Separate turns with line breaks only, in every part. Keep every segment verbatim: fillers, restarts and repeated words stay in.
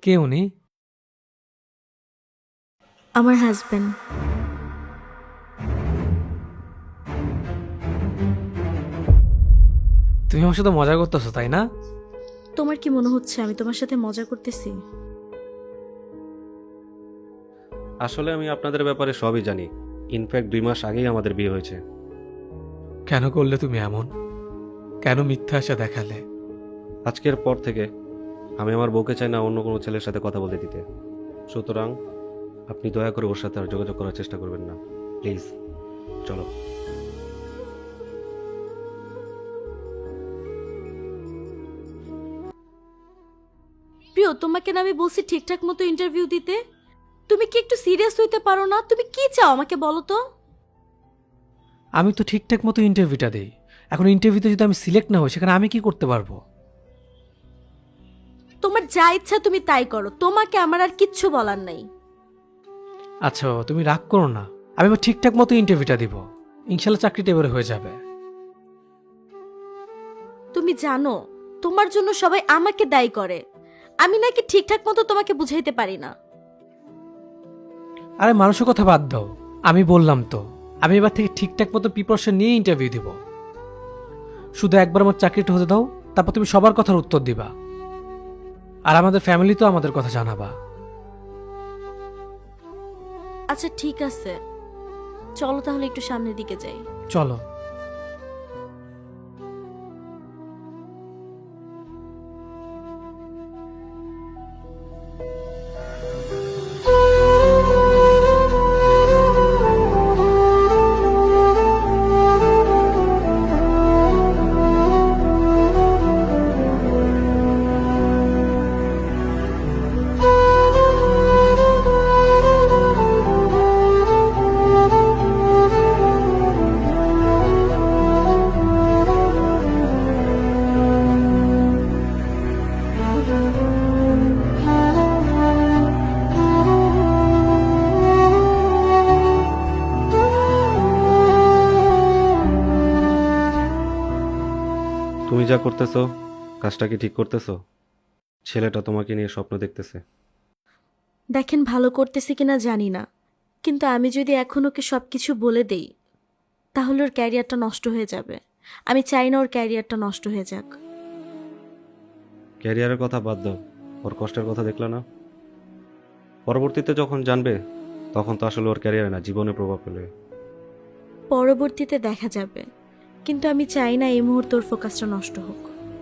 কে উনি?
আমার হাজবেন্ড।
তুমি আমার সাথে মজা করতেছো তাই না?
তোমার কি মনে হচ্ছে আমি তোমার সাথে মজা করতেছি?
আসলে আমি আপনাদের ব্যাপারে সবই জানি। ইনফ্যাক্ট দুই মাস আগেই আমাদের বিয়ে হয়েছে।
কেন করলে তুমি এমন? কেন মিথ্যা আশা দেখালে?
আজকের পর থেকে আমি আমার বউকে চাই না অন্য কোনো ছেলের সাথে কথা বলতে দিতে। সুতরাং আপনি দয়া করে ওর সাথে আর যোগাযোগ করার চেষ্টা করবেন না, প্লিজ। চলো।
প্রিয়, তোমাকে না আমি বলছি ঠিকঠাক মতো ইন্টারভিউ দিতে। তুমি কি একটু সিরিয়াস হইতে পারো না? তুমি কি চাও আমাকে বলো তো।
আমি তো ঠিকঠাক মতো ইন্টারভিউটা দেই। এখন ইন্টারভিউতে যদি আমি সিলেক্ট না হই সেখানে আমি কি করতে পারবো?
তোমার যা ইচ্ছা তুমি তাই করো, তোমাকে আমার আর কিচ্ছু বলার নাই।
আচ্ছা বাবা, তুমি রাগ করো না। আমি এবার ঠিকঠাক মতো ইন্টারভিউটা দিব। ইনশাল্লাহ চাকরিটা এবারে হয়ে যাবে।
তুমি জানো তোমার জন্য সবাই আমাকে দায়ী করে। আমি নাকি ঠিকঠাক মতো তোমাকে বুঝাইতে পারি না।
আরে মানুষের কথা বাদ দাও। আমি বললাম তো, আমি এবার থেকে ঠিকঠাক মতো প্রিপারেশন নিয়ে ইন্টারভিউ দিব। শুধু একবার আমার চাকরিটা হতে দাও, তারপর তুমি সবার কথার উত্তর দিবা। আর আমাদের ফ্যামিলি তো আমাদের কথা জানাবা।
আচ্ছা ঠিক আছে, চলো তাহলে একটু সামনের দিকে যাই।
চলো।
তুমি যা করতেছো, কাজটা কি ঠিক করতেছো? ছেলেটা তোমাকে নিয়ে স্বপ্ন দেখতেছে।
দেখেন, ভালো করতেছি কিনা জানি না, কিন্তু আমি যদি এখন ওকে সবকিছু বলে দেই তাহলে ওর ক্যারিয়ারটা নষ্ট হয়ে যাবে। আমি চাই না ওর ক্যারিয়ারটা নষ্ট হয়ে যাক।
ক্যারিয়ারের কথা বাদ দাও, ওর কষ্টের কথা দেখলে না? পরবর্তীতে যখন জানবে তখন তো আসলে ওর ক্যারিয়ারে না, জীবনে প্রভাব ফেলবে।
পরবর্তীতে দেখা যাবে, কিন্তু আমি চাই না এই মুহূর্তে ওর ফোকাসটা নষ্ট হোক।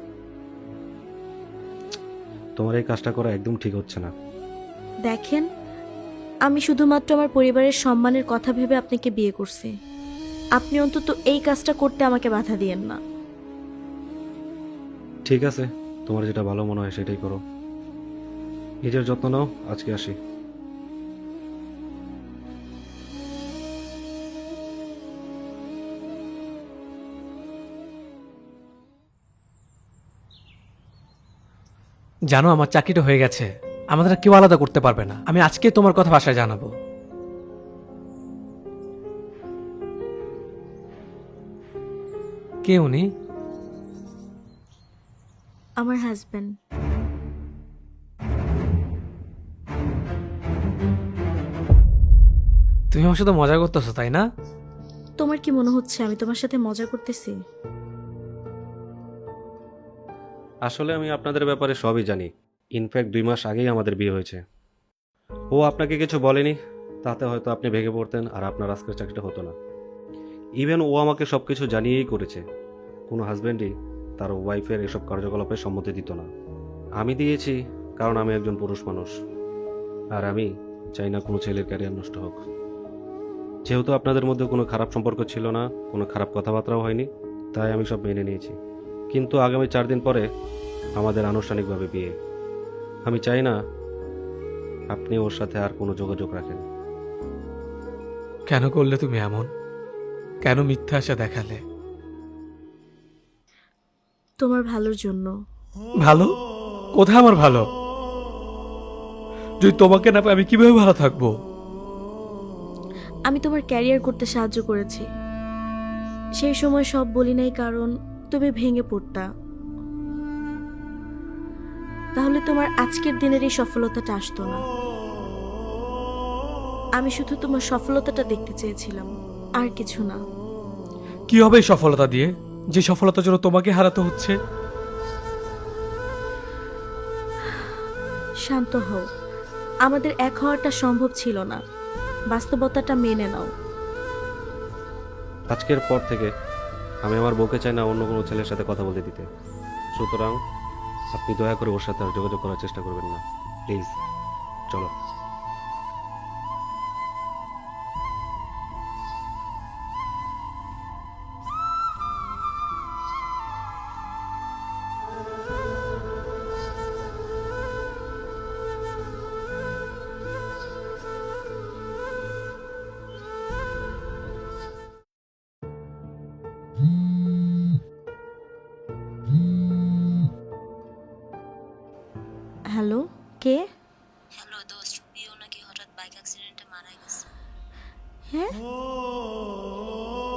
তোমার এই কাজটা করা একদম ঠিক হচ্ছে না।
দেখেন, আমি শুধুমাত্র আমার পরিবারের সম্মানের কথা ভেবে আপনাকে বিয়ে করছি। আপনি অন্তত এই কাজটা করতে আমাকে বাধা দিয়েন না।
ঠিক আছে, তোমার যেটা ভালো মনে হয় সেটাই করো। নিজের যত্ন নাও। আজকে আসি।
জানো, আমার চাকরিটা হয়ে গেছে। আমাদের আর কেউ আলাদা করতে পারবে না। আমি আজকে তোমার কথা বাসায় জানাবো। কে উনি?
আমার হাজবেন্ড।
তুমি আমার সাথে মজা করতেছো তাই না?
তোমার কি মনে হচ্ছে আমি তোমার সাথে মজা করতেছি?
আসলে আমি আপনাদের ব্যাপারে সবই জানি। ইনফ্যাক্ট দুই মাস আগেই আমাদের বিয়ে হয়েছে। ও আপনাকে কিছু বলেনি, তাতে হয়তো আপনি ভেঙে পড়তেন আর আপনার আজকের চাকরিটা হতো না। ইভেন ও আমাকে সব কিছু জানিয়েই করেছে। কোনো হাজব্যান্ডই তার ওয়াইফের এসব কার্যকলাপে সম্মতি দিত না। আমি দিয়েছি, কারণ আমি একজন পুরুষ মানুষ। আর আমি চাই না কোনো ছেলের ক্যারিয়ার নষ্ট হোক। যেহেতু আপনাদের মধ্যে কোনো খারাপ সম্পর্ক ছিল না, কোনো খারাপ কথাবার্তাও হয়নি, তাই আমি সব মেনে নিয়েছি। কিন্তু আগামী চার দিন পরে আমাদের আনুষ্ঠানিকভাবে বিয়ে। আমি চাই না আপনি ওর সাথে আর কোনো যোগাযোগ রাখেন।
কেন করলে তুমি এমন? কেন মিথ্যা আশা দেখালে?
তোমার ভালোর জন্য।
ভালো? কোথায় আমার ভালো? যদি তোমাকে না পাই আমি কিভাবে ভালো থাকবো?
আমি তোমার ক্যারিয়ার করতে সাহায্য করেছি। সেই সময় সব বলি নাই, কারণ তুমি ভেঙে পড়তা। তাহলে তোমার আজকের দিনের এই সফলতাটা আসতো না। আমি শুধু তোমার সফলতাটা দেখতে চেয়েছিলাম, আর কিছু না।
কি হবে এই সফলতা দিয়ে, যে সফলতার জন্য তোমাকে হারাতে হচ্ছে?
শান্ত হও, আমাদের এক হওয়াটা সম্ভব ছিল না। বাস্তবতাটা মেনে নাও।
আজকের পর থেকে আমি আমার বউকে চাই না অন্য কোনো ছেলের সাথে কথা বলতে দিতে। সুতরাং আপনি দয়া করে ওর সাথে আর যোগাযোগ করার চেষ্টা করবেন না, প্লিজ। চলো।
হ্যালো, কে?
হ্যালো দোস্ত, প্রিয় নাকি হঠাৎ বাইক অ্যাক্সিডেন্টে মারা গেছে।
হ্যাঁ,